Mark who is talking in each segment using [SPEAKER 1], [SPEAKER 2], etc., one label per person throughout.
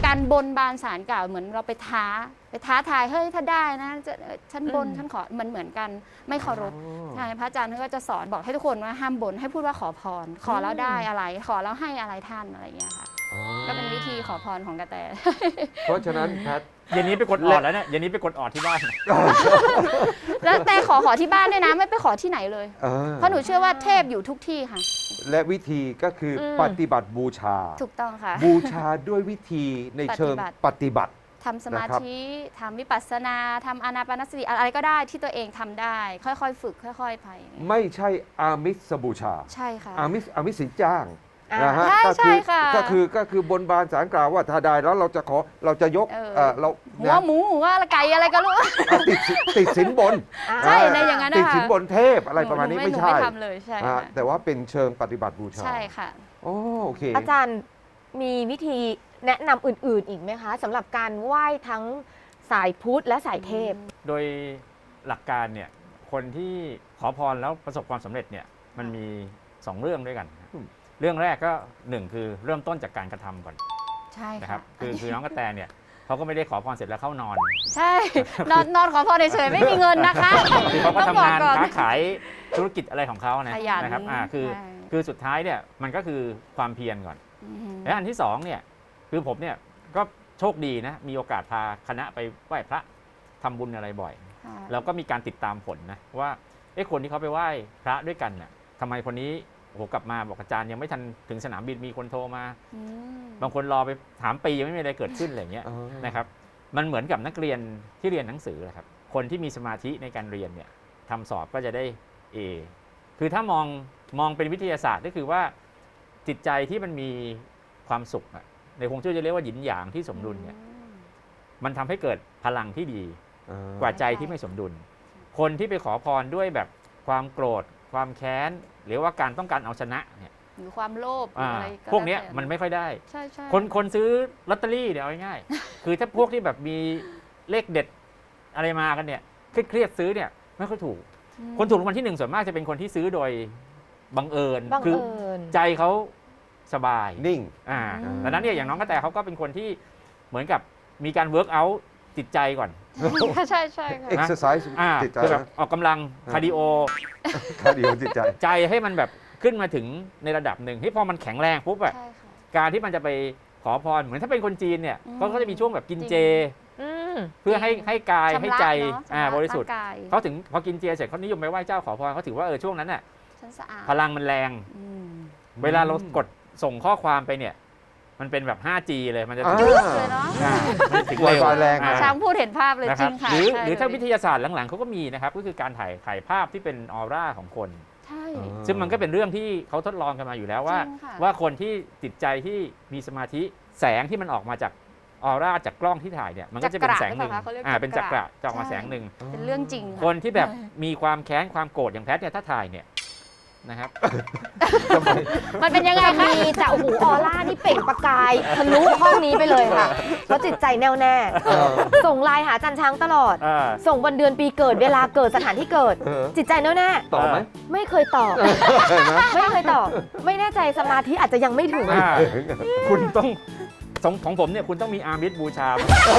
[SPEAKER 1] การบนบานศาลกล่าวเหมือนเราไปท้าทายเฮ้ยถ้าได้นะฉันบนฉันขอมันเหมือนกันไม่เคารพใช่พระอาจารย์ท่านก็จะสอนบอกให้ทุกคนว่าห้ามบนให้พูดว่าขอพรขอแล้วได้อะไรขอแล้วให้อะไรท่านอะไรอย่างเงี้ยค่ะก็เป็นวิธีขอพรของกระแต
[SPEAKER 2] เพราะฉะนั้นแพท
[SPEAKER 3] เย็นนี้ไปกดออดแล้วเนี่ยเย็นนี้ไปกดออดที่บ้าน
[SPEAKER 1] แล้วแต่ขอที่บ้านด้วยนะไม่ไปขอที่ไหนเลย เพราะหนูเชื่อว่าเทพอยู่ทุกที่ค่ะ
[SPEAKER 2] และวิธีก็คือปฏิบัติบูชา
[SPEAKER 1] ถูกต้องค่ะ
[SPEAKER 2] บูชาด้วยวิธีในเชิงปฏิบัติ
[SPEAKER 1] ทำสมาธิทำวิปัสสนาทำอานาปานสติอะไรก็ได้ที่ตัวเองทำได้ ค่อยๆฝึกค่อยๆไป
[SPEAKER 2] ไม่ใช่อามิสบูชา
[SPEAKER 1] ใช่ค่ะ
[SPEAKER 2] อามิสสินจ้างนะฮะ
[SPEAKER 1] ใช่ค่ะ
[SPEAKER 2] ก็คือบนบานศาลกล่าวว่าถ้าได้แล้วเราจะยกเรา
[SPEAKER 1] หัวหมูหัวไก่อะไรก็รู้
[SPEAKER 2] ติดสินบน
[SPEAKER 1] ใช่ในอย่างนั้นนะคะ
[SPEAKER 2] ติดสินบนเทพอะไรประมาณนี้ไม่ใช่
[SPEAKER 1] ทำเลยใช่ค่ะ
[SPEAKER 2] แต่ว่าเป็นเชิงปฏิบัติบูชา
[SPEAKER 1] ใช่ค่ะ
[SPEAKER 2] โอเค
[SPEAKER 4] อาจารย์มีวิธีแนะนำอื่นๆอีกไหมคะสำหรับการไหว้ทั้งสายพุทธและสายเทพ
[SPEAKER 3] โดยหลักการเนี่ยคนที่ขอพรแล้วประสบความสำเร็จเนี่ยมันมี 2 เรื่องด้วยกันนะเรื่องแรกก็1คือเริ่มต้นจากการกระทำก่อน
[SPEAKER 1] ใช่
[SPEAKER 3] นะค
[SPEAKER 1] ค่ะ
[SPEAKER 3] รับคือน้องกระแตเนี่ยเขาก็ไม่ได้ขอพรเสร็จแล้วเข้านอน
[SPEAKER 1] ใช่นอนขอพรเฉยๆไม่มีเงินนะคะ
[SPEAKER 3] คือเขาก็
[SPEAKER 1] ต้อง
[SPEAKER 3] ทำ
[SPEAKER 1] บอก
[SPEAKER 3] งาน
[SPEAKER 1] ก่อน
[SPEAKER 3] ค้าขายธุรกิจอะไรของเขานะ
[SPEAKER 1] ขยัน
[SPEAKER 3] นะครับคือ
[SPEAKER 1] ใช่
[SPEAKER 3] คือสุดท้ายเนี่ยมันก็คือความเพียรก่อน
[SPEAKER 1] อืม
[SPEAKER 3] และอันที่2เนี่ยคือผมเนี่ยก็โชคดีนะมีโอกาสพาคณะไปไหว้พระทำบุญอะไรบ่อย
[SPEAKER 1] ค่ะ
[SPEAKER 3] แล้วก็มีการติดตามผลนะว่าคนที่เขาไปไหว้พระด้วยกันน่ะทำไมคนนี้โอ้โหกลับมาบอกอาจารย์ยังไม่ทันถึงสนามบินมีคนโทรมา
[SPEAKER 1] อืม
[SPEAKER 3] บางคนรอไปถามปียังไม่มีอะไรเกิดขึ้นอะไรอย่างเงี้ยนะครับมันเหมือนกับนักเรียนที่เรียนหนังสือแหละครับคนที่มีสมาธิในการเรียนเนี่ยทำสอบก็จะได้ A คือถ้ามองเป็นวิทยาศาสตร์ก็คือว่าจิตใจที่มันมีความสุขอะในฮวงจุ้ยจะเรียกว่าหยินหยางที่สมดุลเนี่ยมันทำให้เกิดพลังที่ดีกว่าใจที่ไม่สมดุล คนที่ไปขอพรด้วยแบบความโกรธความแค้นหรือว่าการต้องการเอาชนะเนี่ย
[SPEAKER 1] หรือความโลภหรืออะไรก็
[SPEAKER 3] พวกเนี้ย
[SPEAKER 1] แล้แต่
[SPEAKER 3] มันไม่ค่อยได้
[SPEAKER 1] ใช่ใช่
[SPEAKER 3] คนซื้อลอตเตอรี่เนี่ยเอาง่ายๆ คือถ้าพวกที่แบบมีเลขเด็ดอะไรมากันเนี่ยเครียดซื้อเนี่ยไม่ค่อยถูก คนถูกรางวัลที่ 1ส่วนมากจะเป็นคนที่ซื้อโดยบังเอิญ
[SPEAKER 4] บัง
[SPEAKER 3] คือ
[SPEAKER 4] เอิญ
[SPEAKER 3] ใจเขาสบาย
[SPEAKER 2] นิ่ง
[SPEAKER 3] ดังนั้นเนี่ยอย่างน้องกระแตเขาก็เป็นคนที่เหมือนกับมีการเวิร์กเอาท์จิตใจก่อน
[SPEAKER 1] ใช่ใช่ค่ะ
[SPEAKER 2] exercise จิตใจ
[SPEAKER 3] คือแบบออกกำลังคาร์ดิโอ
[SPEAKER 2] คาร์ดิโอจิตใจ
[SPEAKER 3] ใจให้มันแบบขึ้นมาถึงในระดับหนึ่งที่พอมันแข็งแรงปุ๊บอะ
[SPEAKER 1] ใช่ค่ะ
[SPEAKER 3] การที่มันจะไปขอพรเหมือนถ้าเป็นคนจีนเนี่ย
[SPEAKER 1] อืม
[SPEAKER 3] เขาก็จะมีช่วงแบบกินเจ
[SPEAKER 4] อืม
[SPEAKER 3] เพื่อให้กายให้ใจ
[SPEAKER 1] ชำระเนอะชำะ
[SPEAKER 3] บริสุทธิ์
[SPEAKER 1] างกาย
[SPEAKER 3] เขาถึงพอกินเจเสร็จเขานิยมไปไหว้เจ้าขอพรเขาถือว่าช่วงนั้นน่ะ
[SPEAKER 1] ฉันสะอาด
[SPEAKER 3] พลังมันแรง
[SPEAKER 1] อืม
[SPEAKER 3] เวลาเรากดส่งข้อความไปเนี่ยมันเป็นแบบ 5G เลยมันจะ
[SPEAKER 2] อ่า
[SPEAKER 1] ลึกเลยเนาะ
[SPEAKER 3] มันถึง
[SPEAKER 2] ไว
[SPEAKER 3] เร็ว
[SPEAKER 2] ไฟแรง
[SPEAKER 3] อ่า
[SPEAKER 1] ช้างพูดเห็นภาพเลย
[SPEAKER 3] นะ
[SPEAKER 1] จ
[SPEAKER 3] ค
[SPEAKER 1] ริ
[SPEAKER 3] รับ
[SPEAKER 1] งค่ะ
[SPEAKER 3] หรือ
[SPEAKER 1] ใช่
[SPEAKER 3] หรือถ้า
[SPEAKER 1] เลย
[SPEAKER 3] วิทยาศาสตร์หลังๆเขาก็มีนะครับก็คือการถ่ายภาพที่เป็นออร่าของคน
[SPEAKER 1] ใช่
[SPEAKER 3] ซึ่งมันก็เป็นเรื่องที่เขาทดลองกันมาอยู่แล้วว่า
[SPEAKER 1] จริงค่ะ
[SPEAKER 3] ว่าคนที่จิตใจที่มีสมาธิแสงที่มันออกมาจากออร่าจากกล้องที่ถ่ายเนี่ยมันก็จะเป็นแสงหนึ่ง
[SPEAKER 1] จักระหรือเปล่าคะเขาเรียก
[SPEAKER 3] เป็นจักระจะออกมา
[SPEAKER 1] ใช่
[SPEAKER 3] แสงหนึ่ง
[SPEAKER 1] เป็นเรื่องจริงะ
[SPEAKER 3] คนที่แบบมีความแค้นความโกรธอย่างแพทเนี่ยถ้าถ่ายเนี่ยนะครับ
[SPEAKER 1] มันเป็นยังไง
[SPEAKER 4] จะ
[SPEAKER 1] คะ
[SPEAKER 4] มีแต่โอ้โหออร่านี่เปล่งประกายทะลุห้องนี้ไปเลยค่ะเพราะจิตใจแน่วแน่ ส่งไลน์หาอาจันช้างตลอด ส่งวันเดือนปีเกิดเวลาเกิดสถานที่เกิด จิตใจแน่วแน่
[SPEAKER 2] ตอบไหม
[SPEAKER 4] ไม่เคยตอบ
[SPEAKER 2] เห็นไหม
[SPEAKER 4] ไม่เคยตอบ ไม่แน่ใจสมาธิอาจจะยังไม่ถึง
[SPEAKER 3] คุณต้องของผมเนี่ยคุณต้องมีอามิตบูชา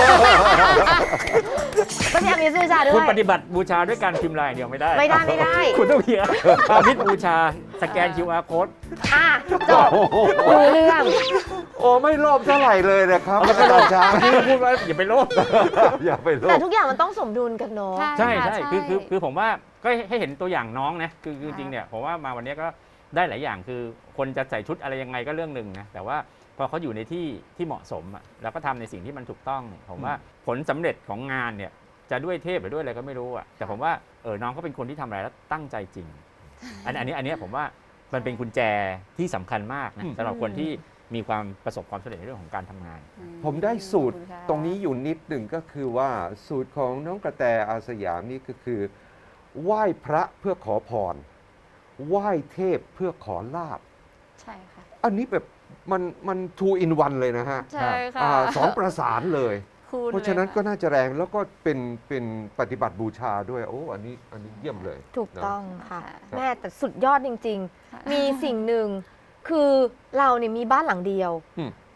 [SPEAKER 4] ก็มีอามิสบูชาด้
[SPEAKER 3] คุ
[SPEAKER 4] ว
[SPEAKER 3] ณ
[SPEAKER 4] ย
[SPEAKER 3] ปฏิบัติบูชาด้วยการพิมพ์ลายอย่างเดียวไม่ได้
[SPEAKER 4] ไม่ได้ไม่ได้
[SPEAKER 3] คุณต้องมีอามิตบูชาสแกน QR code
[SPEAKER 4] อ่ะจบรู้เรื่อง
[SPEAKER 2] โอ้ไม่โลภเท่าไหร่เลยนะครับ
[SPEAKER 3] เอา
[SPEAKER 2] อาจารย์ช้าง
[SPEAKER 3] ที่พูดว่าอย่าไปโลภ
[SPEAKER 2] อย่าไปโล
[SPEAKER 4] แต่
[SPEAKER 2] ภ
[SPEAKER 4] ทุกอย่างมันต้องสมดุลกันเนาะ
[SPEAKER 3] ใช่
[SPEAKER 1] ค่ะ
[SPEAKER 3] ใช่คือผมว่าก็ให้เห็นตัวอย่างน้องนะคือจริงเนี่ยผมว่ามาวันนี้ก็ได้หลายอย่างคือคนจะใส่ชุดอะไรยังไงก็เรื่องหนึ่งนะแต่ว่าพอเขาอยู่ในที่เหมาะสมอะแล้วก็ทำในสิ่งที่มันถูกต้องผมว่าผลสำเร็จของงานเนี่ยจะด้วยเทพหรือด้วยอะไรก็ไม่รู้อะแต่ผมว่าน้องก็เป็นคนที่ทำอะไรแล้วตั้งใจจริง อันนี้ผมว่ามันเป็นกุญแจที่สำคัญมากนะสำหรับคนที่มีความประสบความสำเร็จในเรื่องของการทำงาน
[SPEAKER 2] ผมได้สูตร
[SPEAKER 1] ขอบคุณค่ะ
[SPEAKER 2] ตรงนี้อยู่นิดหนึ่งก็คือว่าสูตรของน้องกระแตอาสยามนี่ก็คือ ไหว้พระเพื่อขอพร ไหว้เทพเพื่อขอลาบ
[SPEAKER 1] ใช่ค่ะ
[SPEAKER 2] อันนี้แบบมัน two in one เลยนะฮะ
[SPEAKER 1] ใช่ค่ะ
[SPEAKER 2] สองประสานเลย
[SPEAKER 1] คูณ
[SPEAKER 2] เพราะฉะนั้น
[SPEAKER 1] ลย
[SPEAKER 2] ก็น่าจะแรงแล้วก็เป็นปฏิบัติบูชาด้วย โอ้อันนี้เยี่ยมเลย
[SPEAKER 4] ถูกต้องค่ะ
[SPEAKER 1] ค่ะ
[SPEAKER 4] แม่แต่สุดยอดจริง
[SPEAKER 1] ค่ะ
[SPEAKER 4] ๆ มีสิ่งหนึ่งคือเราเนี่ยมีบ้านหลังเดียว
[SPEAKER 2] อืม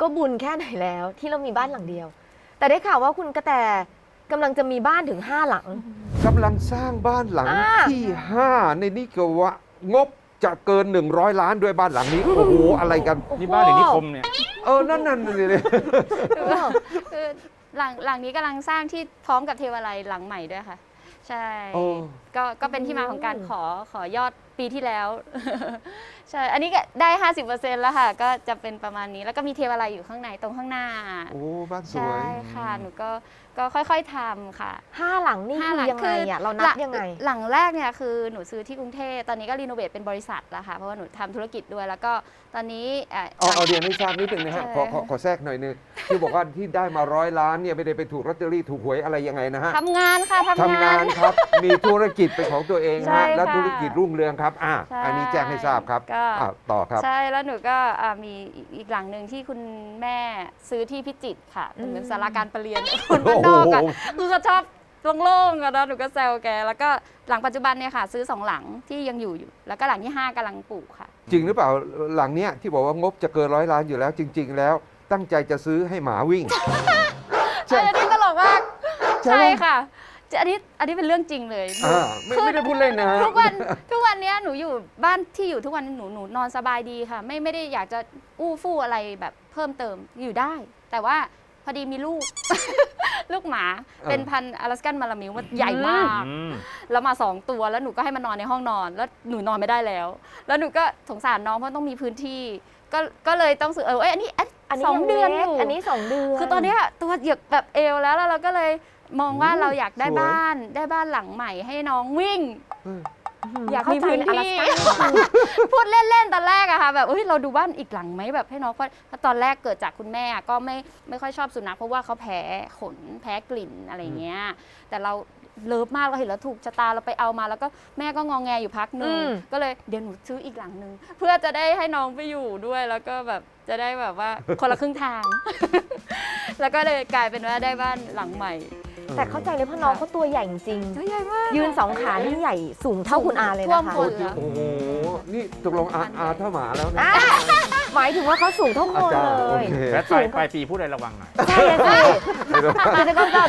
[SPEAKER 4] ก็บุญแค่ไหนแล้วที่เรามีบ้านหลังเดียว แต่ได้ข่าวว่าคุณกระแตกำลังจะมีบ้านถึง 5 หลัง
[SPEAKER 2] กำลังสร้างบ้านหลัง
[SPEAKER 4] อ่า
[SPEAKER 2] ที่ 5 ในนี่ก็ว่างบจะเกิน 100 ล้านด้วยบ้านหลังนี้ โอ้โห อะไรกัน
[SPEAKER 3] นี่บ้านหรือนิคมเนี่ย
[SPEAKER 2] นั่นเลย
[SPEAKER 1] คือหลังนี้กำลังสร้างที่พร้อมกับเทวาลัยหลังใหม่ด้วยค่ะ ใช่
[SPEAKER 2] โอ้
[SPEAKER 1] ก็เป็นที่มาของการขอยอดปีที่แล้ว ใช่ อันนี้ก็ได้ 50%แล้วค่ะ ก็จะเป็นประมาณนี้แล้วก็มีเทวาลัยอยู่ข้างในตรงข้างหน้า
[SPEAKER 2] โอ้บ้านสว
[SPEAKER 1] ใช่
[SPEAKER 2] ย
[SPEAKER 1] ค่ะ หนูก็ค่อยๆทำค่ะ
[SPEAKER 4] 5 หลังนี่
[SPEAKER 1] ห้า
[SPEAKER 4] คื
[SPEAKER 1] หลั
[SPEAKER 4] อยังไงอ่ะเรานับยังไง
[SPEAKER 1] หลังแรกเนี่ยคือหนูซื้อที่กรุงเทพตอนนี้ก็รีโนเวทเป็นบริษัทแล้วค่ะเพราะว่าหนูทำธุรกิจด้วยแล้วก็ตอนนี้
[SPEAKER 2] เอาเรียนให้ทราบนิดนึงนะฮะ
[SPEAKER 1] ใช่
[SPEAKER 2] ขอแทรกหน่อยนึงที่บอกว่าที่ได้มา100 ล้านเนี่ยไม่ได้ไปถูกลอตเตอรี่ถูกหวยอะไรยังไงนะฮะ
[SPEAKER 1] ทำงานค่ะ
[SPEAKER 2] ทำงานครับ มีธุรกิจเป็นของตัวเอง
[SPEAKER 1] ใช่
[SPEAKER 2] ฮะและ
[SPEAKER 1] ค่ะ
[SPEAKER 2] ธุรกิจรุ่งเรืองครับ
[SPEAKER 1] ใช่
[SPEAKER 2] อันนี้แจ้งให้ทราบครับ
[SPEAKER 1] ก็
[SPEAKER 2] ต่อครับ
[SPEAKER 1] ใช่แล้วหนูก็มีอีกหลังหนึ่งที่คุณแม่ซื้อที่พิจิตรค่ะเป็นศาลาการประเรียนคนบ้านนอกอ่ะ
[SPEAKER 2] โอ้โห
[SPEAKER 1] คือเขาชอบโล่งๆอะนะหนูก็แซวแกแล้วก็หลังปัจจุบันเนี่ยค่ะ ซื้อ2 หลังที่ยังอยู่แล้วก็หลังที่ 5กำลังปลูกค่ะ
[SPEAKER 2] จริงหรือเปล่าหลังเนี้ยที่บอกว่างบจะเกิน100 ล้านอยู่แล้วจริง ๆ แล้วตั้งใจจะซื้อให้หมาวิ่ง
[SPEAKER 1] ใช่อันนี้ตลกมาก
[SPEAKER 2] ใช่
[SPEAKER 1] ใช่
[SPEAKER 2] ไหม
[SPEAKER 1] ค่ะอันนี้เป็นเรื่องจริงเลยหนู
[SPEAKER 2] ไม่ได้พูดเล่นนะฮะ
[SPEAKER 1] ทุกวันเนี้ยหนูอยู่บ้านที่อยู่ทุกวันหนูนอนสบายดีค่ะ ไม่ได้อยากจะอู้ฟู่อะไรแบบเพิ่มเติมอยู่ได้ แต่ว่าพอดีมีลูก ลูกหมาเป็นพันธุ์อลาสกันมาลามิวมันใหญ่มาก แล้วมา2 ตัวแล้วหนูก็ให้มันนอนในห้องนอน แล้วหนูนอนไม่ได้แล้ว แล้วหนูก็สงสารน้องเพราะต้องมีพื้นที่ ก็เลยต้องซื้ออันนี้
[SPEAKER 4] อันนี้
[SPEAKER 1] สอง
[SPEAKER 4] ยัง
[SPEAKER 1] เดือน
[SPEAKER 4] เล็
[SPEAKER 1] อก ยู่
[SPEAKER 4] อันนี้ 2 เดือน
[SPEAKER 1] คือตอนเนี้ยตัวเหยียบแบบเอวแล้วเราก็เลยมองว่าเราอยากได้
[SPEAKER 2] สวย
[SPEAKER 1] บ้านหลังใหม่ให้น้องวิ่ง อยากมี
[SPEAKER 4] เข้าใจ
[SPEAKER 1] พื้น
[SPEAKER 4] อลาส
[SPEAKER 1] ที่
[SPEAKER 4] ก้า
[SPEAKER 1] พูดเล่นๆตอนแรกอะค่ะแบบเราดูบ้านอีกหลังไหมแบบให้น้องเพราะตอนแรกเกิดจากคุณแม่ก็ไม่ค่อยชอบสุนัขเพราะว่าเขาแพ้ขนแพ้กลิ่นอะไรเงี้ยแต่เราเลิฟมากเราเห็นแล้วถูกชะตาเราไปเอามาแล้วก็แม่ก็งองแงอยู่พักหนึงก็เลยเดี๋ยวหนูซื้ออีกหลังนึงเพื่อจะได้ให้น้องไปอยู่ด้วยแล้วก็แบบจะได้แบบว่าคนละครึ่งทาง แล้วก็เลยกลายเป็นว่าได้บ้านหลังใหม่
[SPEAKER 4] แต่เข้าใจเลยเพราะน้องเขาตัวใหญ่จริง
[SPEAKER 1] ตัวใหญ่มาก
[SPEAKER 4] ยืน 2 ขานี่ใหญ่สูงเท่าคุณอาเลย
[SPEAKER 1] ท่ว
[SPEAKER 4] นะ
[SPEAKER 1] ม
[SPEAKER 4] คะ
[SPEAKER 1] คน
[SPEAKER 2] โอ้โหนี่ตกลงอาเท่าหมาแล้วนะ
[SPEAKER 4] อ่ะหมายถึงว่าเขาสูงเท่าคน
[SPEAKER 2] อาจารย์
[SPEAKER 4] เล
[SPEAKER 2] โอย เค
[SPEAKER 3] และปลายปีพูดอะไรระวังหน่อย
[SPEAKER 4] ใช่เลยสิอาจจะก็เลย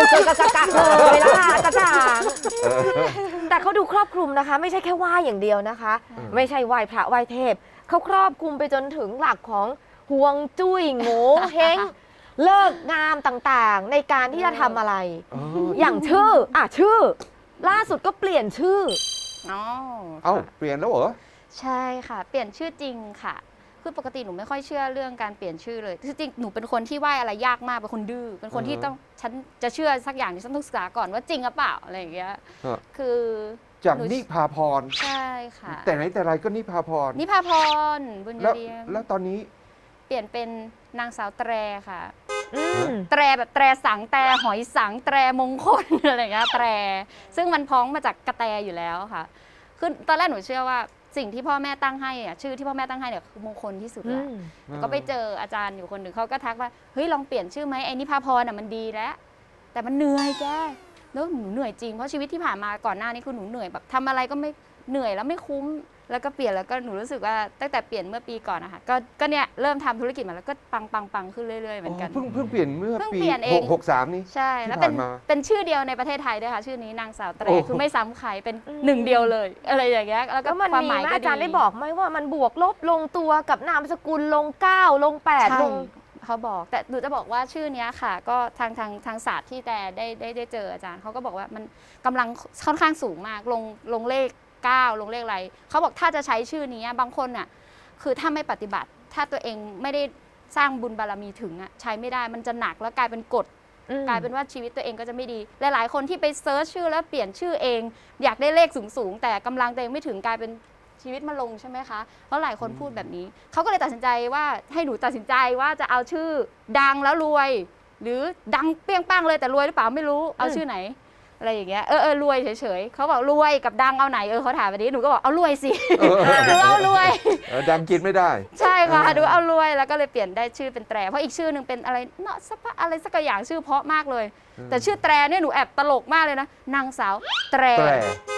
[SPEAKER 4] ละค่ะอาจารย์แต่เขาดูครอบคลุมนะคะ ไม่ใช่แค่ไหว้อย่างเดียวนะคะ ไม่ใช่ไหว้พระไหว้เทพเขาครอบคลุมไปจนถึงหลักของห่วงจุ้ยโง่เฮงเลิกงามต่างๆ ในการที่จะทำอะไร อย่างชื่อล่าสุดก็เปลี่ยนชื่อ
[SPEAKER 1] อ๋อ
[SPEAKER 2] เอ้าเปลี่ยนแล้วเหรอ
[SPEAKER 1] ใช่ค่ะ เปลี่ยนชื่อจริงค่ะ คือปกติหนูไม่ค่อยเชื่อเรื่องการเปลี่ยนชื่อเลยคือจริงหนูเป็นคนที่ไหว้อะไรยากมากเป็นคนดื้อเป็นคนที่ต้องฉันจะเชื่อสักอย่างที่ฉันต้องศึกษาก่อนว่าจริงหรือเปล่าอะไรอย่างเงี้ย
[SPEAKER 2] ฮะ
[SPEAKER 1] คือ
[SPEAKER 2] จาก
[SPEAKER 1] หนู
[SPEAKER 2] นิพาพร
[SPEAKER 1] ใช่ค่ะ
[SPEAKER 2] แต่ไหนแต่ไรก็นิพาพร
[SPEAKER 1] นิพาพรบุญย
[SPEAKER 2] แล้ว
[SPEAKER 1] เรียง
[SPEAKER 2] แล้วตอนนี้
[SPEAKER 1] เปลี่ยนเป็นนางสาวแตรค่ะ
[SPEAKER 4] อืม
[SPEAKER 1] แตรแบบแตรสังแตรหอยสังแตรมงคล อะไรอย่างเงี้ยแตรซึ่งมันพ้องมาจากกระแตอยู่แล้วค่ะคือตอนแรกหนูเชื่อว่าสิ่งที่พ่อแม่ตั้งให้อะชื่อที่พ่อแม่ตั้งให้เนี่ยคือมงคลที่สุดละแล้วก็ไปเจออาจารย์อยู่คนหนึ่งเขาก็ทักว่าเฮ้ยลองเปลี่ยนชื่อไหมไอ้นิพาพรน่ะมันดีแล้วแต่มันเหนื่อยแกแล้วหนูเหนื่อยจริงเพราะชีวิตที่ผ่านมาก่อนหน้านี้คือหนูเหนื่อยแบบทำอะไรก็ไม่เหนื่อยแล้วไม่คุ้มแล้วก็เปลี่ยนแล้วก็หนูรู้สึกว่าตั้งแต่เปลี่ยนเมื่อปีก่อนนะคะก็เนี่ยเริ่มทำธุรกิจมาแล้วก็ปังขึ้นเรื่อยๆเหมือนกัน
[SPEAKER 2] เพิ่งเปลี่ยนเมื่อ
[SPEAKER 1] เพิ่ง
[SPEAKER 2] ปี
[SPEAKER 1] เปลี่ยนเอง
[SPEAKER 2] 63นี่
[SPEAKER 1] ใช่ แล้ว
[SPEAKER 2] ที่ผ่านมา
[SPEAKER 1] เป็นชื่อเดียวในประเทศไทยด้วยค่ะ ชื่อนี้นางสาวแตร
[SPEAKER 2] โอ้
[SPEAKER 1] คือไม่ซ้ำใครเป็นหนึ่งเดียวเลย อะไรอย่างเงี้ยแล้วก็
[SPEAKER 4] แล้วมัน
[SPEAKER 1] ความ
[SPEAKER 4] มี
[SPEAKER 1] หมาย
[SPEAKER 4] ไหม
[SPEAKER 1] ก็
[SPEAKER 4] อาจารย์
[SPEAKER 1] ดี
[SPEAKER 4] ได้บอกไหมว่ามันบวกลบลงตัวกับนามสกุลลง9ลง8
[SPEAKER 1] ใช่
[SPEAKER 4] ลง
[SPEAKER 1] เขาบอกแต่หนูจะบอกว่าชื่อเนี้ยค่ะ ก็ทางศาสตร์ที่แต่ได้เจออาจารย์เขาก็บอกว่ามันกำลังค่อนข้างสูงมากลงเลข9ลงเลขอะไรเขาบอกถ้าจะใช้ชื่อนี้บางคนน่ะคือถ้าไม่ปฏิบัติ ถ้าตัวเองไม่ได้สร้างบุญบารมีถึงใช้ไม่ได้มันจะหนักแล้วกลายเป็นกฎ กลายเป็นว่าชีวิตตัวเองก็จะไม่ดี หลายๆคนที่ไปเซิร์ชชื่อแล้วเปลี่ยนชื่อเอง อยากได้เลขสูงๆแต่กำลังตัวเองไม่ถึงกลายเป็นชีวิตมาลงใช่ไหมคะเพราะหลายคนพูดแบบนี้เขาก็เลยตัดสินใจว่าให้หนูตัดสินใจว่าจะเอาชื่อดังแล้วรวย หรือดังเปี้ยงป้างเลยแต่รวยหรือเปล่าไม่รู้เอาชื่อไหนอะไรอย่างเงี้ยรวยเฉยๆเขาบอกรวยกับดังเอาไหนเขาถามแบบนี้หนูก็บอกเอารวยสิหนูเอารวย
[SPEAKER 2] ดังกินไม่ได้
[SPEAKER 1] ใช่ค่ะดูเอารวยแล้วก็เลยเปลี่ยนได้ชื่อเป็นแตรเพราะอีกชื่อหนึ่งเป็นอะไรเนาะอะไรสักอย่างชื่อเพราะมากเลย แต่ชื่อแตรเนี่ยหนูแอบตลกมากเลยนะนางสาวแตร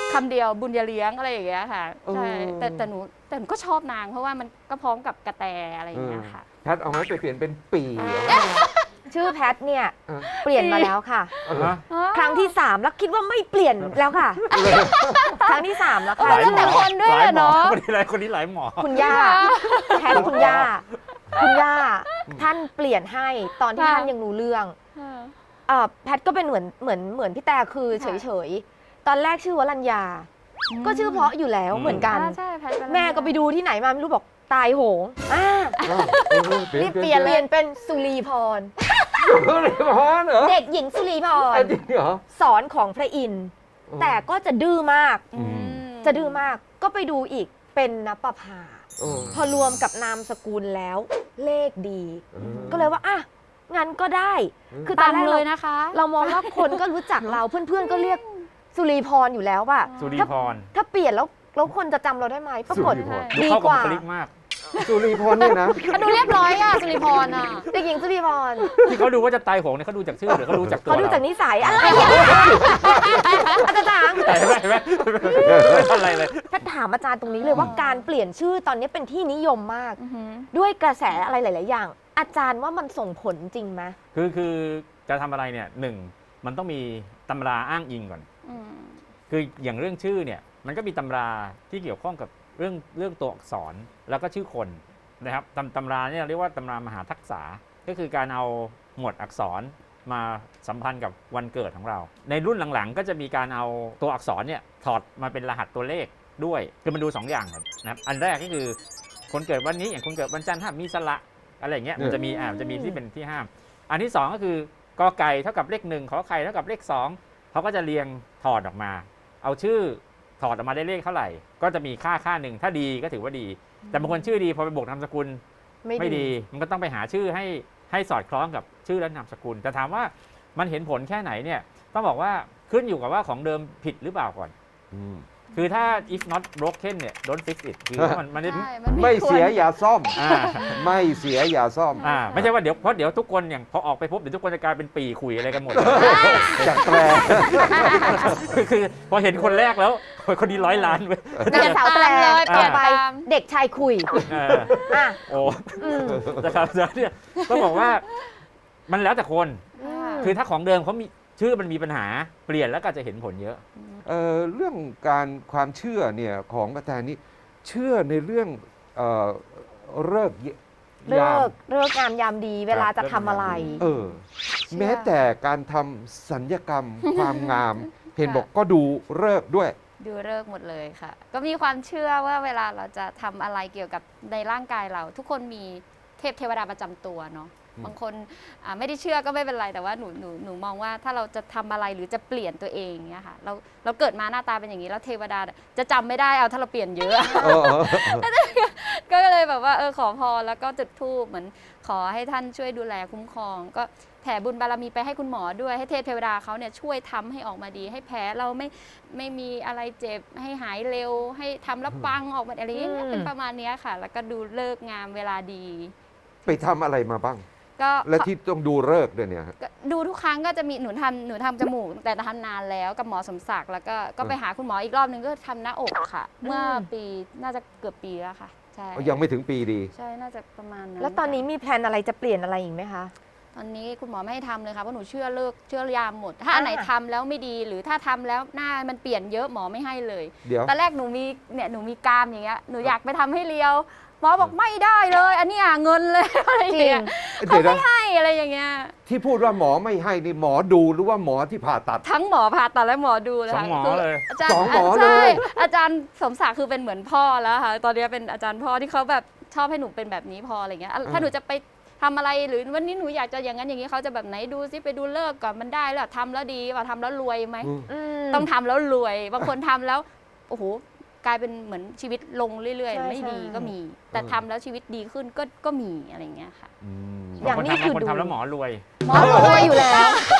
[SPEAKER 1] คำเดียวบุญอย่าเลี้ยงอะไรอย่างเงี้ยค่ะใช่
[SPEAKER 2] เออ
[SPEAKER 1] แต่หนูก็ชอบนางเพราะว่ามันก็พร้อมกับกระแตอะไรอย่างเงี้ยค่ะ
[SPEAKER 2] แพทเอาไม้ไปเปลี่ยนเป็นปี
[SPEAKER 4] ชื่อแพทเนี่ย
[SPEAKER 2] เออ
[SPEAKER 4] เปลี่ยนมาแล้วค่ะ
[SPEAKER 3] ฮะ
[SPEAKER 4] ครั้งที่ 3 แล้วคิดว่าไม่เปลี่ยนแล้วค่ะ ครั้งที่ 3 แล้วค่ะ
[SPEAKER 3] หลาย
[SPEAKER 1] แล้วแต่คนด้วย
[SPEAKER 3] หลาย
[SPEAKER 1] อะเนาะ
[SPEAKER 3] คนนี้หลายหมอ
[SPEAKER 4] คุณย่าแพทคุณย่าท่านเปลี่ยนให้ตอนที่
[SPEAKER 1] ค่ะ
[SPEAKER 4] ท่านยังรู้เรื่องแพทก็เป็นเหมือนพี่แต่คือเฉยๆ ตอนแรกชื่อวรัญญา ก็ชื่อเพราะอยู่แล้วเหมือนกัน
[SPEAKER 1] ใช่แพทย์
[SPEAKER 4] แม่ก็ไปดูที่ไหนมาไม่รู้บอกตายโหงรีบเปลี่ยนเป็นสุรีพร
[SPEAKER 2] เลยพรเหรอ
[SPEAKER 4] เด็กหญิงสุรีพร
[SPEAKER 2] จริงเหรอ
[SPEAKER 4] สอนของพระอินทร์แต่ก็จะดื้อมาก
[SPEAKER 1] อืม
[SPEAKER 4] จะดื้อมากก็ไปดูอีกเป็นนปภา
[SPEAKER 2] โอ้
[SPEAKER 4] พอรวมกับนามสกุลแล้วเลขดี
[SPEAKER 2] เออ
[SPEAKER 4] ก็เลยว่าอ่ะงั้นก็ได้ คือต
[SPEAKER 1] ตา
[SPEAKER 4] อน
[SPEAKER 1] ม
[SPEAKER 4] แรก
[SPEAKER 1] เลยนะคะ
[SPEAKER 4] เรามองว่าคนก็รู้จักเราเพื่อนๆก็เรียกสุรีพรอยู่แล้วว่า
[SPEAKER 3] สุรีพร
[SPEAKER 4] ถ้าเปลี่ยนแล้วคนจะจำเราได้ไหมปรากฏ
[SPEAKER 2] สุริพร
[SPEAKER 3] ดู
[SPEAKER 4] ดี
[SPEAKER 3] เข้าก กับ
[SPEAKER 4] ว่า
[SPEAKER 3] บุคลิกมาก
[SPEAKER 2] สุริพรเนี่ยนะ
[SPEAKER 1] ดูเรียบร้อยอะสุริพรอะ
[SPEAKER 4] เด็กหญิงสุรีพร
[SPEAKER 3] ที่เขาดูว่าจะตายโหงเนี่ยเขาดูจากชื่อหรือเขาดูจากตัว
[SPEAKER 4] เขาดู
[SPEAKER 3] เรา
[SPEAKER 4] จากนิสัยอะไรอ่ะอาจารย์
[SPEAKER 3] เห็นไหมไม่ทันอะไรเลย
[SPEAKER 4] ถ้าถามอาจารย์ตรงนี้เลยว่าการเปลี่ยนชื่อตอนนี้เป็นที่นิยมมาก
[SPEAKER 1] อือหือ
[SPEAKER 4] ด้วยกระแสอะไรหลาย ๆ อย่าง อาจารย์ว่ามันส่งผลจริงไหม
[SPEAKER 3] คือจะทำอะไรเนี่ยหนึ่งมันต้องมีตำราอ้างอิงก่อน
[SPEAKER 1] อืม
[SPEAKER 3] คืออย่างเรื่องชื่อเนี่ยมันก็มีตำราที่เกี่ยวข้องกับเรื่องตัวอักษรแล้วก็ชื่อคนนะครับตำราเนี่ยเรียกว่าตำรามหาทักษะก็คือการเอาหมวดอักษรมาสัมพันธ์กับวันเกิดของเรา ในรุ่นหลังๆ ก็จะมีการเอาตัวอักษรเนี่ยถอดมาเป็นรหัสตัวเลขด้วยคือมันดู 2 อย่างครับนะครับอันแรกก็คือคนเกิดวันนี้อย่างคนเกิดวันจันทร์ถ้ามีสระอะไรอย่างเงี้ยมันจะมีที่เป็นที่ห้าม อันที่ 2 ก็คือกอไก่เท่ากับเลข1ขอไข่เท่ากับเลข2เขาก็จะเรียงถอดออกมา เอาชื่อถอดออกมาได้เลขเท่าไหร่ ก็จะมีค่าหนึ่งถ้าดีก็ถือว่าดี แต่บางคนชื่อดีพอไปบวกนามสกุลไม่ดี มันก็ต้องไปหาชื่อให้สอดคล้องกับชื่อและนามสกุลแต่ถามว่ามันเห็นผลแค่ไหนเนี่ยต้องบอกว่าขึ้นอยู่กับว่าของเดิมผิดหรือเปล่าก่อน
[SPEAKER 2] อืม
[SPEAKER 3] คือถ้า if not broken เนี่ย don't fix it คือมัน
[SPEAKER 1] ใช่น
[SPEAKER 2] ไม่เสีย
[SPEAKER 1] ควร
[SPEAKER 2] อย่าซ่อม
[SPEAKER 3] อ่า
[SPEAKER 2] ไม่เสียอย่าซ่อม
[SPEAKER 3] ไม่ใช่ว่าเดี๋ยวทุกคนอย่างพอออกไปพบเดี๋ยวทุกคนจะกลายเป็นปีคุยอะไรกันหมด
[SPEAKER 2] จากแตร
[SPEAKER 3] คือพอเห็นคนแรกแล้วคนนี้100 ล้านเว้ย
[SPEAKER 4] นางสาวแปล
[SPEAKER 1] เลย
[SPEAKER 4] ต่อไป
[SPEAKER 1] เปลี่ยนตาม
[SPEAKER 4] เด็กชายคุย
[SPEAKER 3] เออ
[SPEAKER 4] อ่ะ
[SPEAKER 3] โอ้
[SPEAKER 4] อืม
[SPEAKER 3] นะครับเนี่ยต้องบอกว่ามันแล้วแต่คน
[SPEAKER 4] อืม
[SPEAKER 3] คือถ้าของเดิมเขามีชื่อมันมีปัญหาเปลี่ยนแล้วก็จะเห็นผลเยอะ
[SPEAKER 2] เรื่องการความเชื่อเนี่ยของกระแตนี่เชื่อในเรื่องเลิกษ์
[SPEAKER 4] เลิ
[SPEAKER 2] ยาม
[SPEAKER 4] กงามยามดีเวลาจะทำอะไร
[SPEAKER 2] เออ แม้แต่การทำสัญญกรรม ความงาม เห็นบอกก็ดูเลิกษ์ด้วย
[SPEAKER 1] ดูเลิกษ์หมดเลยค่ะ ก็มีความเชื่อว่าเวลาเราจะทำอะไรเกี่ยวกับในร่างกายเรา ทุกคนมีเทวดาประจำตัวเนาะ
[SPEAKER 2] อืม
[SPEAKER 1] บางคนไม่ได้เชื่อก็ไม่เป็นไรแต่ว่าหนูมองว่าถ้าเราจะทำอะไรหรือจะเปลี่ยนตัวเองเนี่ยค่ะเราเกิดมาหน้าตาเป็นอย่างนี้แล้วเทวดาจะจำไม่ได้เอาถ้าเราเปลี่ยนเยอะ
[SPEAKER 2] เออ
[SPEAKER 1] ก็เลยแบบว่าขอพรแล้วก็จุดธูปเหมือนขอให้ท่านช่วยดูแลคุ้มครอง ก็แผ่บุญบารมีไปให้คุณหมอด้วยให้เทวดาเขาเนี่ยช่วยทำให้ออกมาดี ให้แผลเราไม่มีอะไรเจ็บให้หายเร็ว ให้ทำแล้วปังออกมาอะไรอย่างเงี้ยเป็นประมาณเนี้ยค่ะ แล้วก็ดูเลิกษ์งามเวลาดี
[SPEAKER 2] ไปทำอะไรมาบ้าง
[SPEAKER 1] ก็
[SPEAKER 2] และที่ต้องดูเลิกษ์ด้วยเนี่ยฮะ
[SPEAKER 1] ก็ดูทุกครั้งก็จะมีหนูทำจมูกแต่ทำนานแล้วกับหมอสมศักดิ์แล้วก็ไปหาคุณหมออีกรอบนึงก็ทำหน้าอกค่ะ เมื่อปีน่าจะเกือบปีแล้วค่ะใช่
[SPEAKER 2] ยังไม่ถึงปีดี
[SPEAKER 1] ใช่น่าจะประมาณนั้น
[SPEAKER 4] แล้วตอนนี้มีแพลนอะไรจะเปลี่ยนอะไรอีกไหมคะ
[SPEAKER 1] ตอนนี้คุณหมอไม่ให้ทำเลยค่ะเพราะหนูเชื่อยามหมด ถ้าอันไหนทำแล้วไม่ดีหรือถ้าทำแล้วหน้ามันเปลี่ยนเยอะหมอไม่ให้เลย
[SPEAKER 2] เดี๋ยว
[SPEAKER 1] ตอนแรกหนูมีกรามอย่างเงี้ยหนูอยากไปทำให้เรียวหมอบอกไม่ได้เลย อันนี้เงินเลย อะไรอย่างเงี้ย
[SPEAKER 2] เดี๋ยวนะ
[SPEAKER 1] ให้อะไรอย่างเงี้ย
[SPEAKER 2] ที่พูดว่าหมอไม่ให้นี่หมอดูหรือว่าหมอที่ผ่าตัด
[SPEAKER 1] ทั้งหมอผ่าตัดและหมอดูเลย
[SPEAKER 3] สอง
[SPEAKER 1] ค่ะ
[SPEAKER 3] หมอเลย
[SPEAKER 1] อาจารย์
[SPEAKER 2] สองหมอเลย
[SPEAKER 1] ใช่อาจารย์สมศักดิ์คือเป็นเหมือนพ่อแล้วค่ะตอนนี้เป็นอาจารย์พ่อที่เขาแบบชอบให้หนูเป็นแบบนี้พออะไรเงี้ยถ้าหนูจะไปทำอะไรหรือวันนี้หนูอยากจะอย่างนั้นอย่างนี้เขาจะแบบไหนดูซิไปดูเลิกก่อนมันได้แล้วทำแล้วดีว่าทำแล้วรวยไหม ต้องทำแล้วรวย บางคนทำแล้วโอ้โหกลายเป็นเหมือนชีวิตลงเรื่อย
[SPEAKER 4] ใช่
[SPEAKER 1] ๆ ไม่ดี
[SPEAKER 4] ใช่
[SPEAKER 1] ก็มี แต่ทำแล้วชีวิตดีขึ้นก็มีอะไรอย่างเงี้ยค่ะ
[SPEAKER 2] อืม
[SPEAKER 4] อย่างนี้
[SPEAKER 3] บางคน
[SPEAKER 4] คือ
[SPEAKER 3] ทำ
[SPEAKER 4] ดู
[SPEAKER 3] แล้วหมอรวย
[SPEAKER 1] หมอ
[SPEAKER 4] รวยอยู่แล้ว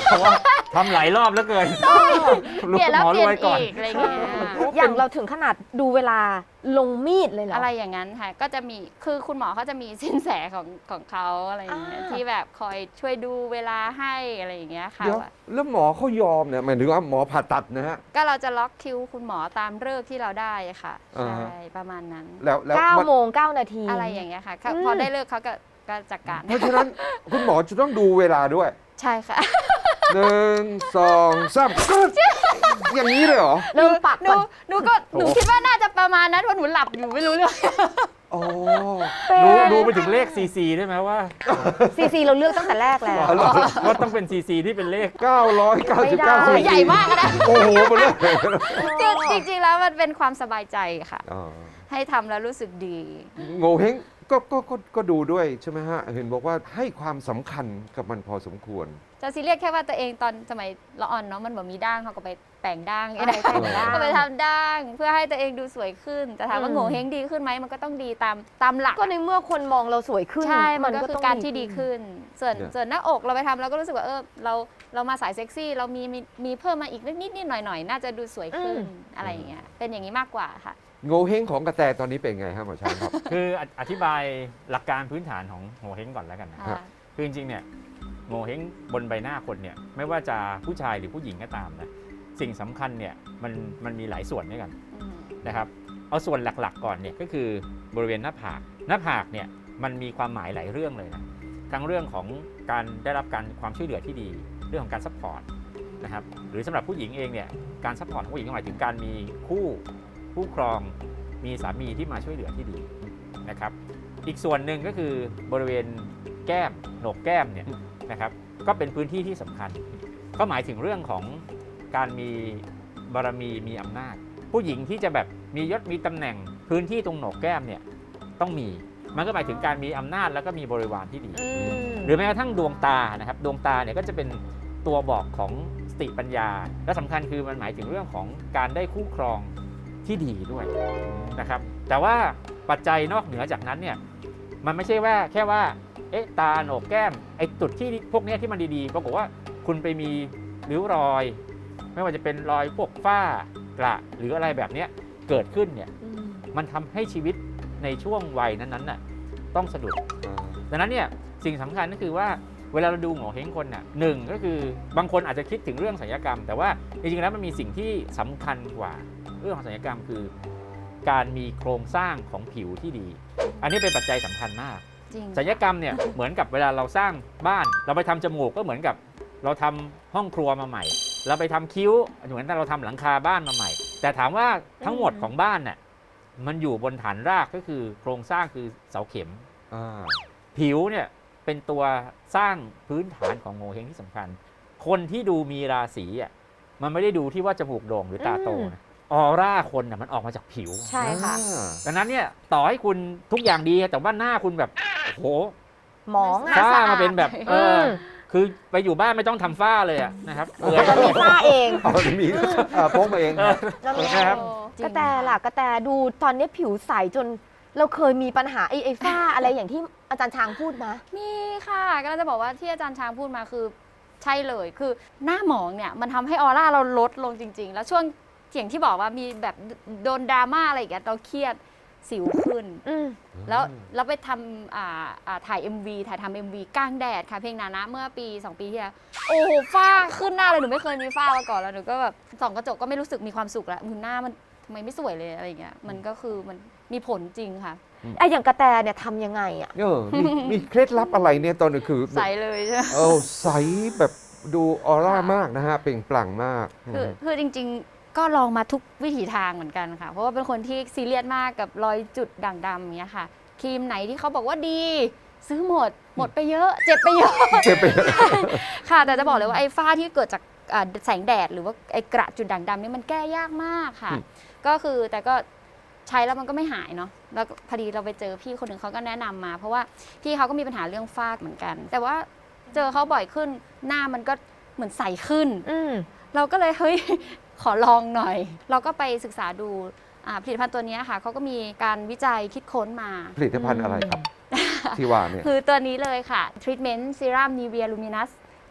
[SPEAKER 3] เพราะว่าทำหลายรอบแล้วเกิน
[SPEAKER 1] เปลี่ยนแล้ว
[SPEAKER 3] หมอ
[SPEAKER 1] เปลี่ยน
[SPEAKER 3] รวยก่อน
[SPEAKER 1] อีกอะไรอย่างเงี้ย
[SPEAKER 4] อย่างเราถึงขนาดดูเวลาลงมีดเลยเหรอ
[SPEAKER 1] อะไรอย่างนั้นค่ะก็จะมีคือคุณหมอเขาจะมีสินแสของเขาอะไรอย่างเงี้ย
[SPEAKER 4] อ่า
[SPEAKER 1] ที่แบบคอยช่วยดูเวลาให้อะไรอย่างเงี้ยค่ะ
[SPEAKER 2] เดี๋ยว
[SPEAKER 1] ว่า
[SPEAKER 2] แล้วหมอเขายอมเนี่ยหมายถึงว่าหมอผ่าตัดนะฮะ
[SPEAKER 1] ก็เราจะล็อกคิวคุณหมอตามฤกษ์ที่เราได้ค่ะ
[SPEAKER 2] อ่า
[SPEAKER 1] ใช่
[SPEAKER 2] ฮะ
[SPEAKER 1] ประมาณนั้น
[SPEAKER 2] แล้ว
[SPEAKER 4] 9
[SPEAKER 2] มัน
[SPEAKER 4] โมง 9 นาที
[SPEAKER 1] อะไรอย่างเงี้ยค่ะ
[SPEAKER 4] อืม
[SPEAKER 1] พอได้เลิกเขาก็จัดการ
[SPEAKER 2] เพราะฉะนั้นคุณหมอจะต้องดูเวลาด้วย
[SPEAKER 1] ใช่ค่ะ
[SPEAKER 2] 1 2 3ก็อย่างนี้เลยเหรอ
[SPEAKER 4] เริ่มปัก
[SPEAKER 1] หนู
[SPEAKER 4] ก่อน
[SPEAKER 1] หนูคิดว่าน่าจะประมาณนั้นเพราะหนูหลับอยู่ไม่รู้เรื่อง
[SPEAKER 2] อ๋อ
[SPEAKER 3] ดูไปถึงเลข CC ได้ไหมว่า
[SPEAKER 4] CC เราเลือกตั้งแต่แรกแล้ว
[SPEAKER 2] อ๋อเหรอ
[SPEAKER 3] ว่าต้องเป็น CC ที่เป็นเลข
[SPEAKER 4] ไม่ได้
[SPEAKER 2] 999
[SPEAKER 1] ใหญ่มากนะ
[SPEAKER 2] โอ้โหหมดเลย
[SPEAKER 1] จริงๆแล้วมันเป็นความสบายใจค่ะ
[SPEAKER 2] อ๋อ
[SPEAKER 1] ให้ทำแล้วรู้สึกดี
[SPEAKER 2] โง่เฮงก็ดูด้วยใช่ไหมฮะ เห็นบอกว่าให้ความสำคัญกับมันพอสมควร
[SPEAKER 1] จะซีเรียสแค่ว่าตัวเองตอนสมัยละอ่อนเนาะมันแบบมีด่างเขาก็ไปแต่งด่าง
[SPEAKER 4] อะไรแต่งด่าง
[SPEAKER 1] ก็ไปทำด่างเพื่อให้ตัวเองดูสวยขึ้น แต่ถามว่าโง่เฮงดีขึ้นไหมมันก็ต้องดีตามหลัก
[SPEAKER 4] ก็ในเมื่อคนมองเราสวยขึ้น
[SPEAKER 1] ใช่ มันก็
[SPEAKER 4] ต้
[SPEAKER 1] คือ อง การที่ดี
[SPEAKER 4] ขึ้น
[SPEAKER 1] ขึ้น ส่วน
[SPEAKER 2] เนี่ย
[SPEAKER 1] ส่วนหน้าอกเราไปทำเราก็รู้สึกว่าเรามาสายเซ็กซี่ เรามีเพิ่มมาอีกนิดหน่อยน่าจะดูสวยขึ้นอะไรอย่างเงี้ยเป็นอย่างนี้มากกว่าค่ะ
[SPEAKER 2] โง่เฮงของกระแตตอนนี้เป็นไงครับหมอช้างครับ
[SPEAKER 3] คืออธิบายหลักการพื้นฐานของโงเห้งก่อนแล้วกันนะ
[SPEAKER 2] ครับ
[SPEAKER 3] คือจริงๆเนี่ยโงเห้งบนใบหน้าคนเนี่ยไม่ว่าจะผู้ชายหรือผู้หญิงก็ตามนะสิ่งสำคัญเนี่ยมันมีหลายส่วนด้วยกัน
[SPEAKER 1] อืม
[SPEAKER 3] นะครับเอาส่วนหลักๆก่อนเนี่ยก็คือบริเวณหน้าผากเนี่ยมันมีความหมายหลายเรื่องเลยนะทั้งเรื่องของการได้รับการความช่วยเหลือที่ดีเรื่องของการซัพพอร์ตนะครับหรือสำหรับผู้หญิงเองเนี่ยการซัพพอร์ตของผู้หญิงก็หมายถึงการมีคู่ครองมีสามีที่มาช่วยเหลือที่ดีนะครับอีกส่วนหนึ่งก็คือบริเวณแก้มโหนกแก้มเนี่ยนะครับก็เป็นพื้นที่ที่สำคัญ ก็หมายถึงเรื่องของการมีบารมีมีอำนาจ ผู้หญิงที่จะแบบมียศมีตำแหน่งพื้นที่ตรงโหนกแก้มเนี่ยต้องมีมันก็หมายถึงการมีอำนาจแล้วก็มีบริวารที่ดี
[SPEAKER 4] อืม
[SPEAKER 3] หรือแม้กระทั่งดวงตานะครับดวงตาเนี่ยก็จะเป็นตัวบอกของสติปัญญา และสำคัญคือมันหมายถึงเรื่องของการได้คู่ครองที่ดีด้วยนะครับแต่ว่าปัจจัยนอกเหนือจากนั้นเนี่ยมันไม่ใช่ว่าแค่ว่าตาโหนกแก้มไอ้จุดที่พวกเนี้ยที่มันดีๆปรากฏว่าคุณไปมีริ้วรอย ไม่ว่าจะเป็นรอยพวกฝ้ากระหรืออะไรแบบเนี้ยเกิดขึ้นเนี่ยมันทำให้ชีวิตในช่วงวัยนั้นๆน่ะต้องสะดุด ดังนั้นเนี่ยสิ่งสำคัญก็คือว่าเวลาเราดูโงเห้งคนน่ะหนึ่งก็คือบางคนอาจจะคิดถึงเรื่องศัลยกรรม แต่ว่าจริงๆแล้วมันมีสิ่งที่สำคัญกว่าเรื่องของศัลยกรรมคือ การมีโครงสร้างของผิวที่ดี อันนี้เป็นปัจจัยสำคัญมาก
[SPEAKER 1] จริง
[SPEAKER 3] ศัลยกรรมเนี่ยเหมือนกับเวลาเราสร้างบ้าน เราไปทำจมูกก็เหมือนกับเราทำห้องครัวมาใหม่ เราไปทำคิ้วเหมือนเราทำหลังคาบ้านมาใหม่ แต่ถามว่าทั้งหมดของบ้านเนี่ยมันอยู่บนฐานรากก็คือโครงสร้างคือเสาเข็ม ผิวเนี่ยเป็นตัวสร้างพื้นฐานของโงเห้งที่สำคัญ คนที่ดูมีราศีอ่ะมันไม่ได้ดูที่ว่าจมูกโด่งหรือตาโตนะออร่าคนน่ะมันออกมาจากผิว
[SPEAKER 4] ใช่ค่ะ
[SPEAKER 3] ดังนั้นเนี่ยต่อให้คุณทุกอย่างดีแต่ว่าหน้าคุณแบบโอ้โห
[SPEAKER 4] หมอง
[SPEAKER 1] หน้
[SPEAKER 3] ฝ้า
[SPEAKER 1] สะอาด
[SPEAKER 3] มาเป็นแบบ
[SPEAKER 4] ม
[SPEAKER 3] คือไปอยู่บ้านไม่ต้องทำฝ้าเลยอะนะครับเปื่อย
[SPEAKER 4] จะมีฝ้าเอง
[SPEAKER 2] เอามีพกมาเอง
[SPEAKER 4] แล้วมี
[SPEAKER 3] นะครับ
[SPEAKER 4] กระแตล่ะกระแตดูตอนนี้ผิวใสจนเราเคยมีปัญหาไอ้ฝ้าอะไรอย่างที่อาจารย์ช้างพูดมา
[SPEAKER 1] มีค่ะก็จะบอกว่าที่อาจารย์ช้างพูดมาคือใช่เลยคือหน้าหมองเนี่ยมันทำให้ออร่าเราลดลงจริง ๆ แล้วช่วงเสียงที่บอกว่ามีแบบโดนดราม่าอะไรอย่างเงี้ยเราเครียดสิวขึ้น แล้วเราไปทำถ่าย MV ถ่ายทำ MV กลางแดดค่ะเพลงนานะเมื่อปี 2 ปีที่แล้วโอ้โหฝ้าขึ้นหน้าเลยหนูไม่เคยมีฝ้ามาก่อนแล้วหนูก็แบบส่องกระจกก็ไม่รู้สึกมีความสุขแล้วหน้ามันทำไมไม่สวยเลยอะไรอย่างเงี้ยมันก็คือมันมีผลจริงค่ะ
[SPEAKER 4] ไอ้อย่างกระแตเนี่ยทำยังไงอ่ะ
[SPEAKER 2] มีเคล็ดลับอะไรเนี่ยตอนนี้คือ
[SPEAKER 1] ใสเลยใช่ไหม
[SPEAKER 2] ใสแบบดูออร่ามากนะฮะเปล่งปลั่งมาก
[SPEAKER 1] คือจริงๆก็ลองมาทุกวิถีทางเหมือนกันค่ะ เพราะว่าเป็นคนที่ซีเรียสมากกับรอยจุดด่างดำอย่างเงี้ยค่ะ ครีมไหนที่เขาบอกว่าดี ซื้อหมดไปเยอะ เจ็บไปเยอะ
[SPEAKER 2] เจ็บไป
[SPEAKER 1] ค่ะ แต่จะบอกเลยว่าไอ้ฝ้าที่เกิดจากแสงแดดหรือว่าไอ้กระจุดด่างดำนี่มันแก้ยากมากค่ะ ก็คือแต่ก็ใช้แล้วมันก็ไม่หายเนาะแล้วพอดีเราไปเจอพี่คนหนึ่งเขาก็แนะนำมา เพราะว่าพี่เขาก็มีปัญหาเรื่องฝ้าเหมือนกัน แต่ว่าเจอเขาบ่อยขึ้นหน้ามันก็เหมือนใสขึ้น เราก็เลยเฮ้ย ขอลองหน่อย เราก็ไปศึกษาดูผลิตภัณฑ์ตัวนี้ค่ะเขาก็มีการวิจัยคิดค้นมา
[SPEAKER 2] ผลิตภัณฑ์อะไรครับ ที่ว่าเนี่ย
[SPEAKER 1] คือตัวนี้เลยค่ะ Treatment Serum Nivea Luminous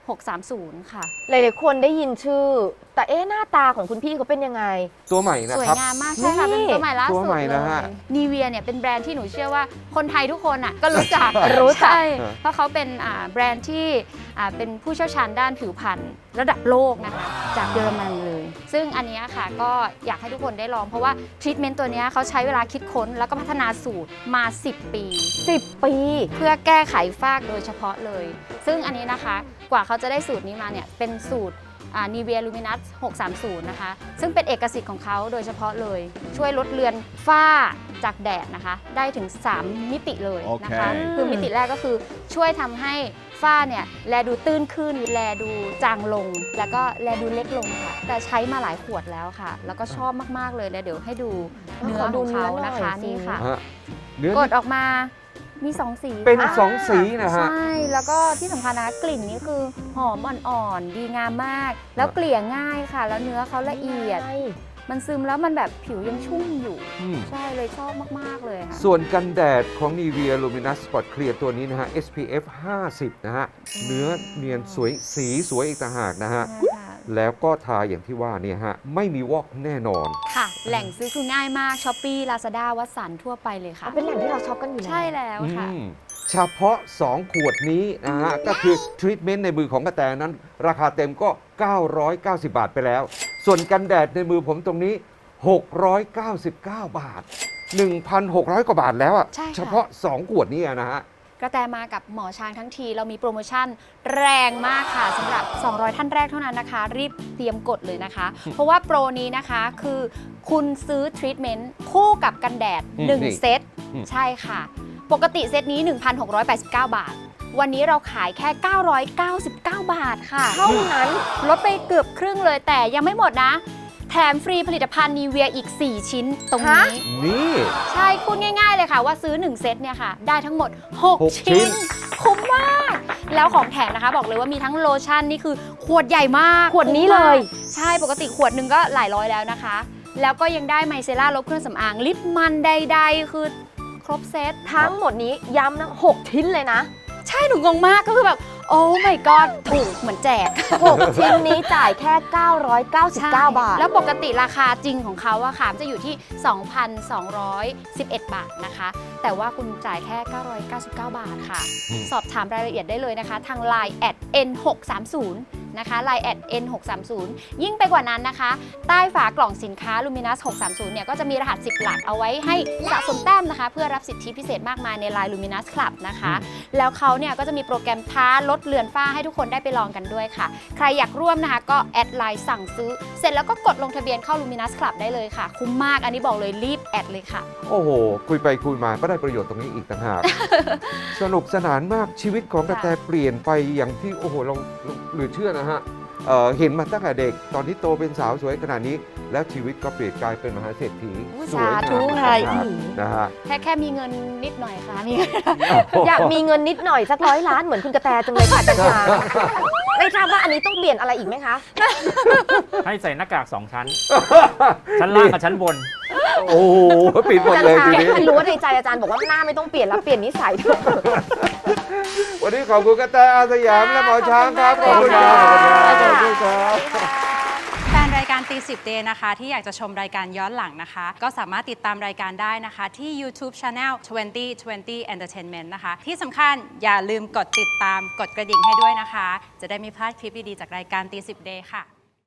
[SPEAKER 1] 630 ค่ะ
[SPEAKER 4] หลายๆคนได้ยินชื่อ แต่หน้าตาของคุณพี่เขาเป็นยังไง
[SPEAKER 2] ตัวใหม่นะ
[SPEAKER 1] สวย
[SPEAKER 2] ครับ
[SPEAKER 1] งามมากใช่ค่ะ
[SPEAKER 4] นี่
[SPEAKER 1] เป็นตัวใหม่ล่า
[SPEAKER 2] ตัว
[SPEAKER 1] สุด
[SPEAKER 2] ใหม่
[SPEAKER 1] เล
[SPEAKER 2] นะฮะ
[SPEAKER 1] ยนีเวียเนี่ยเป็นแบรนด์ที่หนูเชื่อว่าคนไทยทุกคนอ่ะก็รู้จัก
[SPEAKER 4] รู้จัก
[SPEAKER 1] ใช่เพราะเขาเป็นแบรนด์ที่เป็นผู้เชี่ยวชาญด้านผิวพรรณระดับโลกนะคะจากเยอรมันเลย ซึ่งอันเนี้ยค่ะก็อยากให้ทุกคนได้ลองเพราะว่าทรีทเมนต์ตัวเนี้ยเขาใช้เวลาคิดค้นแล้วก็พัฒนาสูตรมา 10 ปี
[SPEAKER 4] 10 ปี
[SPEAKER 1] เพื่อแก้ไขฝ้ากโดยเฉพาะเลย ซึ่งอันนี้นะคะกว่าเขาจะได้สูตรนี้มาเนี่ยเป็นสูตรนีเวียลูมินัส630 นะคะ ซึ่งเป็นเอกสิทธิ์ของเขาโดยเฉพาะเลย ช่วยลดเลือนฝ้าจากแดดนะคะ ได้ถึง 3 มิติเลยนะคะ
[SPEAKER 4] โอเค
[SPEAKER 1] คือมิติแรกก็คือช่วยทำให้ฝ้าเนี่ยแลดูตื้นขึ้น แลดูจางลง แล้วก็แลดูเล็กลงค่ะ แต่ใช้มาหลายขวดแล้วค่ะ แล้วก็ชอบมากๆเลยเดี๋ยวให้ดูเนื้อของเขานะคะ นี่ค่ะ
[SPEAKER 2] ฮะเนื้อก
[SPEAKER 1] ดออกมามี 2 สี
[SPEAKER 2] เป็น
[SPEAKER 1] ค่ะ
[SPEAKER 2] 2 สีนะฮะ
[SPEAKER 1] ใช่ แล้วก็ที่สำคัญนะกลิ่นนี้คือหอมอ่อนๆ ดีงามมาก แล้วเกลี่ยง่ายค่ะ แล้วเนื้อเขาละเอียด มันซึมแล้วมันแบบผิวยังชุ่มอยู่
[SPEAKER 2] อืม
[SPEAKER 1] ใช่เลยชอบมาก ๆ เลยค่ะ
[SPEAKER 2] ส่วนกันแดดของ Nivea Luminous Spot Clear ตัวนี้นะฮะ SPF 50 นะฮะ เนื้อเนียนสวยสีสวยอีกต่างหากนะฮะ
[SPEAKER 1] ใช่ค่ะ
[SPEAKER 2] แล้วก็ทาอย่างที่ว่าเนี่ยฮะ ไม่มีวอกแน่นอน
[SPEAKER 1] ค่ะ แหล่งซื้อคือง่ายมาก Shopee Lazada วัดสันทั่วไปเลยค่ะ
[SPEAKER 4] เป็นแหล่งที่เราช็อปกันอยู่แล้ว
[SPEAKER 1] ใช่แล้วค่ะ
[SPEAKER 2] เฉพาะ 2 ขวดนี้นะฮะ ก็คือทรีทเมนต์ในมือของกระแตนั้น ราคาเต็มก็ 990 บาทไปแล้ว ส่วนกันแดดในมือผมตรงนี้ 699 บาท 1,600 กว่าบาทแล้วอะ
[SPEAKER 1] ใช่ค่ะ
[SPEAKER 2] เฉพาะ 2 ขวดนี้นะฮะ
[SPEAKER 1] กระแตมากับหมอช้างทั้งทีเรามีโปรโมชั่นแรงมากค่ะสำหรับ 200 ท่านแรกเท่านั้นนะคะ รีบเตรียมกดเลยนะคะ เพราะว่าโปรนี้นะคะคือคุณซื้อทรีทเมนต์คู่กับกันแดด
[SPEAKER 2] นี่
[SPEAKER 1] 1 เซต
[SPEAKER 2] อืม
[SPEAKER 1] ใช่ค่ะ ปกติเซตนี้ 1,689 บาท วันนี้เราขายแค่ 999 บาทค่ะ
[SPEAKER 4] เท่านั้น
[SPEAKER 1] ลดไปเกือบครึ่งเลยแต่ยังไม่หมดนะ แถมฟรีผลิตภัณฑ์นีเวียอีก 4 ชิ้นตรงนี้
[SPEAKER 2] นี่
[SPEAKER 1] ใช่พูดง่ายๆเลยค่ะว่าซื้อ 1 เซตเนี่ยค่ะ ได้ทั้งหมด
[SPEAKER 2] 6
[SPEAKER 1] 6 ชิ้น คุ้มมาก แล้วของแถมนะคะ บอกเลยว่ามีทั้งโลชั่นนี่คือขวดใหญ่มาก
[SPEAKER 4] ขวดนี้เลย
[SPEAKER 1] ใช่ปกติขวดหนึ่งก็หลายร้อยแล้วนะคะ แล้วก็ยังได้ไมเซล่าลบเครื่องสำอางลิปมันใดๆ คือครบเซต
[SPEAKER 4] ทั้งหมดนี้ย้ำนะ6 ชิ้นเลยนะ
[SPEAKER 1] ใช่หนูงงมากก็คือแบบ โอ้ my god ถูกเหมือนแจก
[SPEAKER 4] 6 ชิ้นนี้จ่ายแค่ 999 บาท
[SPEAKER 1] แล้วปกติราคาจริงของเขาอะค่ะจะอยู่ที่ 2,211 บาทนะคะ แต่ว่าคุณจ่ายแค่ 999 บาทค่ะ
[SPEAKER 2] อืม
[SPEAKER 1] สอบถามรายละเอียดได้เลยนะคะ ทาง Line @n630 นะคะ Line @n630 ยิ่งไปกว่านั้นนะคะ ใต้ฝากล่องสินค้า Luminous 630 เนี่ยก็จะมีรหัส 10 หลักเอาไว้ให้สะสมแต้มนะคะ เพื่อรับสิทธิพิเศษมากมายใน Line Luminous Club นะคะ แล้วเขาเนี่ยก็จะมีโปรแกรมท้าลดเลือนฝ้าให้ทุกคนได้ไปลองกันด้วยค่ะ ใครอยากร่วมนะคะก็แอดไลน์สั่งซื้อ เสร็จแล้วก็กดลงทะเบียนเข้า Luminous Club ได้เลยค่ะ คุ้มมากอันนี้บอกเลยรีบแอดเลยค่ะ
[SPEAKER 2] โอ้โห คุยไปคุยมาก็ได้ประโยชน์ตรงนี้อีกต่างหาก สนุกสนานมากชีวิตของกระแตเปลี่ยนไปอย่างที่โอ้โหเราเหลือเชื่อนะฮะเห็นมาตั้งแต่เด็กตอนที่โตเป็นสาวสวยขนาดนี้ แล้วชีวิตก็เปลี่ยนกลายเป็นมหาเศรษฐี
[SPEAKER 1] อุ๊ย
[SPEAKER 2] สวยงาม
[SPEAKER 1] สาธุ
[SPEAKER 2] อีก
[SPEAKER 1] ค่ะ
[SPEAKER 2] ต่างหากนะฮะ
[SPEAKER 1] แค่มีเงินนิดหน่อยค่ะมีเงิน
[SPEAKER 4] อยากมีเงินนิดหน่อยสัก100 ล้านเหมือนคุณกระแตจังเลยค่ะจันทราไม่ทราบว่าอันนี้ต้องเปลี่ยนอะไรอีกไหมคะ
[SPEAKER 3] ให้ใส่หน้ากาก 2 ชั้น ชั้นล่างกับชั้นบน
[SPEAKER 2] โอ้โหปิดหมด
[SPEAKER 4] จัน
[SPEAKER 2] เลย
[SPEAKER 4] ทรา
[SPEAKER 2] ทีนี้
[SPEAKER 4] รู้ว่าในใจอาจารย์บอกว่าหน้าไม่ต้องเปลี่ยนแล้วเปลี่ยนนิสัยเถอะ
[SPEAKER 2] วันนี้ขอบคุณกระแตอาสยามและหมอช้างครับ
[SPEAKER 1] ขอบคุณมากเลย
[SPEAKER 2] ขอบคุณครับ
[SPEAKER 5] แฟนรายการตีสิบเดย์นะคะ ที่อยากจะชมรายการย้อนหลังนะคะ ก็สามารถติดตามรายการได้นะคะ ที่ YouTube Channel 2020 Entertainment นะคะ ที่สำคัญอย่าลืมกดติดตามกดกระดิ่งให้ด้วยนะคะ จะได้ไม่พลาดคลิปดี ๆ จากรายการตีสิบเดย์ค่ะ